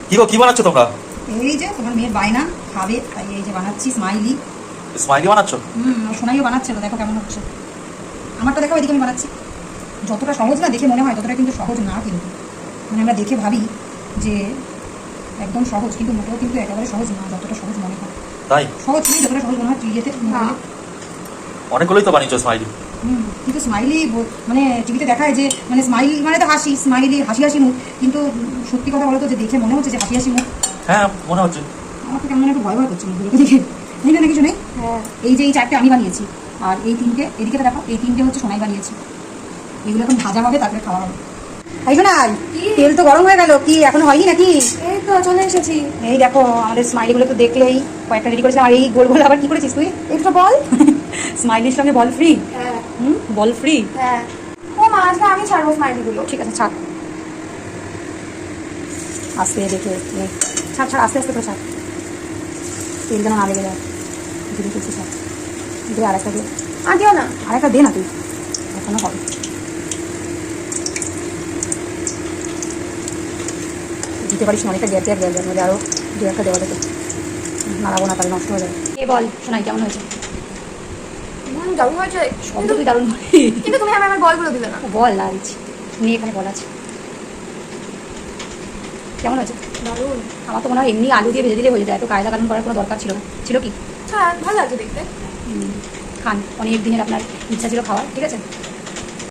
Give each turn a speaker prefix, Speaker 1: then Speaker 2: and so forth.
Speaker 1: কি গো, কি বানাচ্ছো তোমরা?
Speaker 2: এই যে তোমার মেয়ের বায়না খাবে, তাই এই যে বানাচ্ছি স্মাইলি।
Speaker 1: স্মাইলি বানাচ্ছো?
Speaker 2: সোনাইও বানাচ্ছিল, দেখো কেমন হচ্ছে। আমারটা দেখো, এদিকে আমি বানাচ্ছি। যতটা সহজ না দেখে মনে হয়, ততটা কিন্তু সহজ না। কিন্তু মানে আমরা দেখে ভাবি যে একদম সহজ, কিন্তু মোটেও কিন্তু একেবারে সহজ না, যতটা সহজ মনে হয়।
Speaker 1: তাই?
Speaker 2: সহজ নেই, যতটা সহজ মনে হয় টিভিতে।
Speaker 1: অনেকগুলোই তো বানিয়েছো স্মাইলি।
Speaker 2: কিন্তু স্মাইলি মানে টিভিতে দেখায় যে মানে স্মাইল মানে তো হাসি, স্মাইলি হাসি হাসি মুখ, কিন্তু সত্যি কথা বলো তো, যে দেখে মনে হচ্ছে যে হাসি হাসি মুখ।
Speaker 1: হ্যাঁ, মনে হচ্ছে।
Speaker 2: আমার তো কেমন একটু ভয় ভয় করছে মুখগুলোকে দেখে। নেই না, কিছু নেই।
Speaker 3: হ্যাঁ,
Speaker 2: এই যে এই চারটে আমি বানিয়েছি, আর এই তিনটে এদিকে তো দেখো, এই তিনটে হচ্ছে সোনাই বানিয়েছি। এগুলো এখন ভাজা হবে, তারপরে খাওয়া হবে। তাই শোনাই, তেল তো গরম হয়ে গেল, কি এখনো হয়নি নাকি?
Speaker 3: এই তো চলে এসেছি।
Speaker 2: এই দেখো আমাদের স্মাইলিগুলো তো দেখলেই, কয়েকটা রেডি করেছিলাম। আর এই গোল গোল আবার কি করেছিস তুই?
Speaker 3: একটু বল।
Speaker 2: স্মাইলির সঙ্গে বল ফ্রি।
Speaker 3: হ্যাঁ
Speaker 2: বল ফ্রি।
Speaker 3: হ্যাঁ। ও মা, আজকে আমি ছাড়বো স্মাইলিগুলো।
Speaker 2: ঠিক আছে, ছাড়। আস্তে দেখে ছাড় ছাড়, আস্তে আস্তে করে ছাড়, তেল যেন না লেগে যায়। ধীরে করছি, ছাড়। দে আর একটা দে,
Speaker 3: আর দিও না।
Speaker 2: আর একটা দে না তুই, এখনো হবে। দিতে পারিস না অনেকটা, গ্যাপ গ্যাপ গ্যাপ মধ্যে আরও দু একটা দেওয়া যেত। নাড়াবো না, তাহলে নষ্ট হয়ে যাবে। এ বল শোনাই, কেমন হয়েছে?
Speaker 3: দারুণ হয়েছে।
Speaker 2: শব্দ তুই দারুণ
Speaker 3: কিন্তু তুমি আমার বলগুলো দিলে না।
Speaker 2: বল না দিচ্ছি, নিয়ে এখানে বল আছে। কেমন হয়েছে?
Speaker 3: দারুণ।
Speaker 2: আমার তো মনে হয় এমনি আলু দিয়ে ভেজে দিলে হয়ে যেত, এত কায়দা কানুন করার কোনো দরকার ছিল না। ছিল কি?
Speaker 3: হ্যাঁ, ভালো লাগছে দেখতে।
Speaker 2: খান, অনেক দিনের আপনার ইচ্ছা ছিল খাওয়ার, ঠিক আছে।